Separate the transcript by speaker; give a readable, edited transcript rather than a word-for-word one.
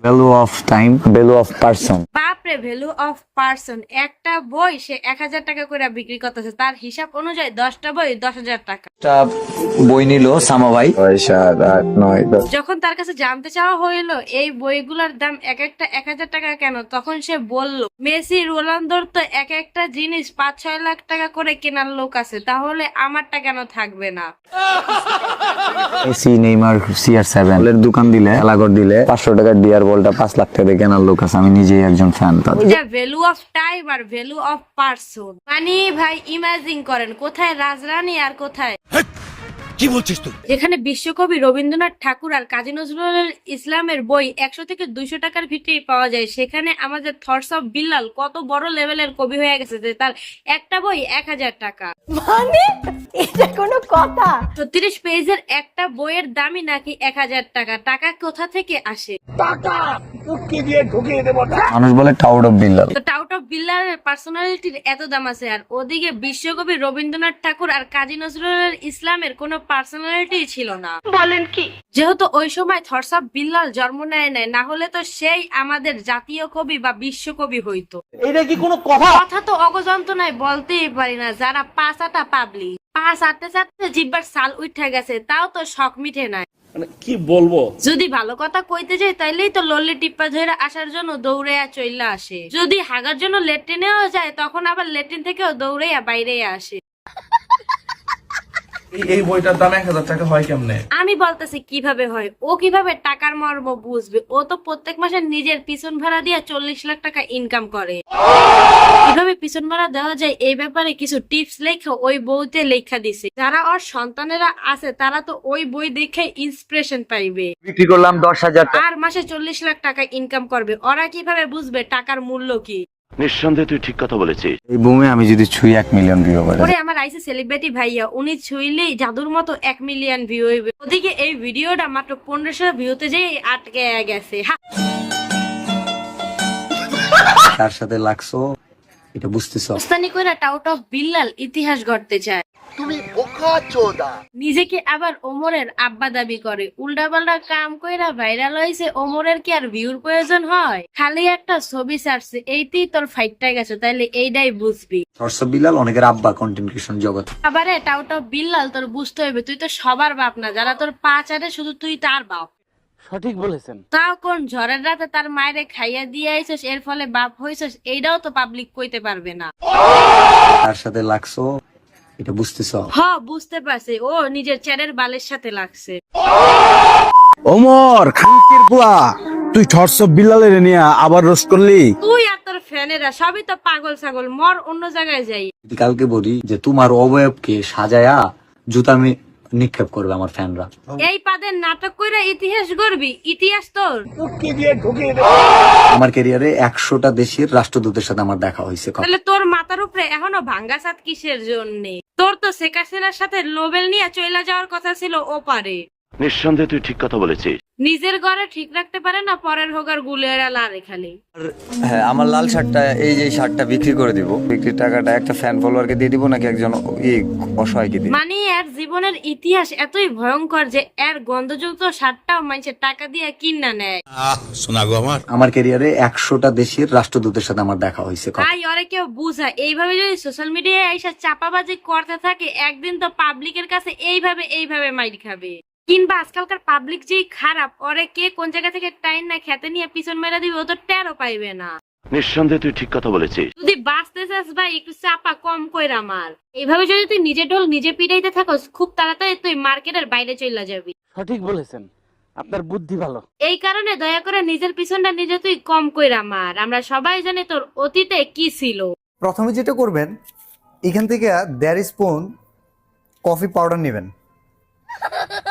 Speaker 1: Value of time, value of person.
Speaker 2: বাপরে, value of person. একটা বই সে 1000 টাকা করে বিক্রি করতেছে, তার হিসাব অনুযায়ী 10টা বই 10,000 টাকা।
Speaker 1: একটা বই নিল সামা ভাই 6, 7, 8, 9, 10।
Speaker 2: যখন তার কাছে জানতে চাওয়া হইলো এই বইগুলোর দাম এক একটা 1000 টাকা কেন, তখন সে বলল মেসি রোনালদোর তো এক একটা জিনিস 5-6 লাখ টাকা করে কেনার লোক আছে, তাহলে আমারটা কেন থাকবে না?
Speaker 1: মেসি, নেইমার, CR7 এর দোকান দিলে, এলাগর দিলে 500 টাকার ডিয়ার বলটা 5 লাখ টাকা দিয়ে কেনার লোক আছে। আমি নিজেই একজন ফ্যান তার।
Speaker 2: এটা ভ্যালু অফ টাইম আর ভ্যালু অফ পার্সন। মানে ভাই ইমাজিন করেন, কোথায় রাজরানী আর কোথায়
Speaker 3: কি বলছিস তুই?
Speaker 2: যেখানে বিশ্বকবি রবীন্দ্রনাথ ঠাকুর আর কাজী নজরুল ইসলামের বই 100 থেকে 200 টাকার ভিতরেই পাওয়া যায়, সেখানে আমাদের থটস অফ বিল্লাল কত বড় লেভেলের কবি হয়ে গেছে যে তার একটা বই 1000 টাকা।
Speaker 4: মানে এটা কোনো কথা?
Speaker 2: 36 পেজের একটা বইয়ের দামই নাকি 1000 টাকা। টাকা কোথা থেকে আসে?
Speaker 1: মানুষ বলে টাউট অফ বিল্লাল।
Speaker 2: তো টাউট অফ বিল্লালের পার্সোনালিটির এত দাম আছে, আর ওদিকে বিশ্বকবি রবীন্দ্রনাথ ঠাকুর আর কাজী নজরুল ইসলামের কোনো পার্সোনালিটি ছিল না।
Speaker 4: বলেন কি?
Speaker 2: যেহেতু ওই সময় থটস অফ বিল্লাল জন্ম নেয় নাই, না হলে তো সেই আমাদের জাতীয় কবি বা বিশ্বকবি হইতো।
Speaker 3: এটা কি কোনো কথা?
Speaker 2: কথা তো অগজন্ত নাই, বলতেই পারি না। যারা 5 আটা পাবলি, 5 আটতে চাটতে জিব্বার সাল উঠে গেছে, তাও তো শখ মিটে নাই।
Speaker 3: মানে কি বলবো?
Speaker 2: যদি ভালো কথা কইতে যাই তাইলেই তো লল্লি টিপ্পা ধরে আসার জন্য দৌড়াইয়া চইলা আসে। যদি হাগার জন্য লেট্রিনেও যায়, তখন আবার লেট্রিন থেকেও দৌড়াইয়া বাইরে আসে।
Speaker 5: এই বইটার দাম 1000 টাকা হয় কেমনে?
Speaker 2: আমি বলতেছি কিভাবে হয়, ও কিভাবে টাকার মর্ম বুঝবে? ও তো প্রত্যেক মাসে নিজের পিছন ভাড়া দিয়ে 40 লাখ টাকা ইনকাম করে। কিভাবে পিছন ভাড়া দেওয়া যায় এই ব্যাপারে কিছু টিপস লেখা ওই বইতে লেখা দিছে। যারা ওর সন্তানেরা আছে তারা তো ওই বই দেখে ইন্সপিরেশন পাইবে,
Speaker 1: বিক্রি করলাম 10,000 টাকা।
Speaker 2: আর মাসে 40 লাখ টাকা ইনকাম করবে। ওরা কিভাবে বুঝবে টাকার মূল্য কি?
Speaker 6: নিঃসন্দেহে তুই ঠিক কথা বলেছিস।
Speaker 1: এই বুমে আমি যদি ছুঁই 1 মিলিয়ন ভিউ করে।
Speaker 2: ওরে আমার আইসে সেলিব্রিটি ভাইয়া, উনি ছুইলেই জাদুর মতো 1 মিলিয়ন ভিউ হইবে। ওদিকে এই ভিডিওটা মাত্র 1500 ভিউতে যেই আটকে গেছে।
Speaker 1: তার সাথে লাগছো এটা বুঝতেছ?
Speaker 2: উস্তানি কইরা টাউট অফ বিল্লাল ইতিহাস গড়তে চায়।
Speaker 3: তুমি বোকা চোদা।
Speaker 2: নিজেকে আবার ওমরের আব্বা দাবি করে। উল্টাপাল্টা কাম কইরা ভাইরাল হয়েছে, ওমরের কি আর ভিউর প্রয়োজন হয়? খালি একটা ছবি ছাড়ছে, এইতেই তোর ফাইটটা গেছে, তাইলে এইটাই বুঝবি।
Speaker 1: থটস অফ বিল্লাল অনেকের আব্বা কন্টেন্ট ক্রিয়েশন জগৎ।
Speaker 2: আবারে টাউট অফ বিল্লাল তোর বুঝতে হইবে, তুই তো সবার বাপ না। যারা তোর পা চাটে শুধু তুই তার বাপ।
Speaker 3: সঠিক বলেছেন।
Speaker 2: তাও কোন ঝড়ের রাতে তার মায়েরে খাইয়া দিয়ে আইছস, এর ফলে বাপ হইছস, এইটাও তো পাবলিক কইতে পারবে না।
Speaker 1: তার সাথে লাগছো এটা বুঝতেছ?
Speaker 2: হ, বুঝতে পারছি, ও নিজের চ্যারের বালের সাথে লাগছে।
Speaker 7: ওমর খানকির পোলা, তুই থটস অফ বিল্লালের নিয়ে আবার রোস্ট করলি?
Speaker 2: তুই আর তোর ফ্যানেরা সবই তো পাগল ছাগল, মর অন্য জায়গায় যাই।
Speaker 1: যদি কালকে বলি যে তোমার অবয়বকে সাজায়া জুতা নিক্ষেপ করবে আমার ফ্যানরা।
Speaker 2: এই পাদের নাটক কইরা ইতিহাস গড়বি? ইতিহাস তোর
Speaker 1: আমার ক্যারিয়ারে 100টা দেশের রাষ্ট্রদূতের সাথে আমার দেখা হয়েছে।
Speaker 2: তাহলে তোর মাথার উপরে এখনো ভাঙ্গা ছাদ কিসের জন্য? তোর তো শেখ হাসিনার সাথে নোবেল নিয়ে চইলা যাওয়ার কথা ছিল, ও পারে।
Speaker 6: নিঃসন্দেহে তুই ঠিক কথা বলেছিস।
Speaker 2: নিজের ঘরে ঠিক রাখতে পারে না, পরের হোগার গুলেরা লারে খালি।
Speaker 1: হ্যাঁ, আমার লাল শার্টটা, এই যে শার্টটা বিক্রি করে দিব। বিক্রির টাকাটা একটা ফ্যান ফলোয়ারকে দিয়ে দিব নাকি একজন অসহায়কে দিব?
Speaker 2: মানে এর জীবনের ইতিহাস এতই ভয়ঙ্কর যে এর গন্ধযুক্ত শার্টটাও মানুষের টাকা দিয়ে কিনা নেয়।
Speaker 3: শোনা গো
Speaker 1: আমার ক্যারিয়ারে 100টা দেশের রাষ্ট্রদূতের সাথে আমার দেখা হয়েছে।
Speaker 2: তাই ওরে কেউ বুঝা, এইভাবে যদি সোশ্যাল মিডিয়ায় এসে চাপাবাজি করতে থাকে, একদিন তো পাবলিকের কাছে এইভাবে মাইর খাবে। কিংবা আজকালকার পাবলিক যেই খারাপ, ওরে কে কোন জায়গা থেকে টাইম না খেতে নিয়ে পিছন মেরা দিবে, ও তো টেরও পাইবে না।
Speaker 6: নিঃসন্দেহে তুই ঠিক কথা বলেছিস।
Speaker 2: যদি বাঁচতে চাস ভাই, একটু চাপা কম কইরা মার। এইভাবে যদি তুই নিজে ঢোল নিজে পিটাইতে থাকস, খুব তাড়াতাড়ি তুই মার্কেটের বাইরে চলে যাবি।
Speaker 3: সঠিক বলেছেন, আপনার বুদ্ধি ভালো।
Speaker 2: এই কারণে দয়া করে নিজের পিছনটা নিজে তুই কম কইরা মার। আমরা সবাই জানি তোর অতীতে কি ছিল।
Speaker 8: প্রথমে যেটা করবেন, এখান থেকে দেড় স্পুন কফি পাউডার নেবেন।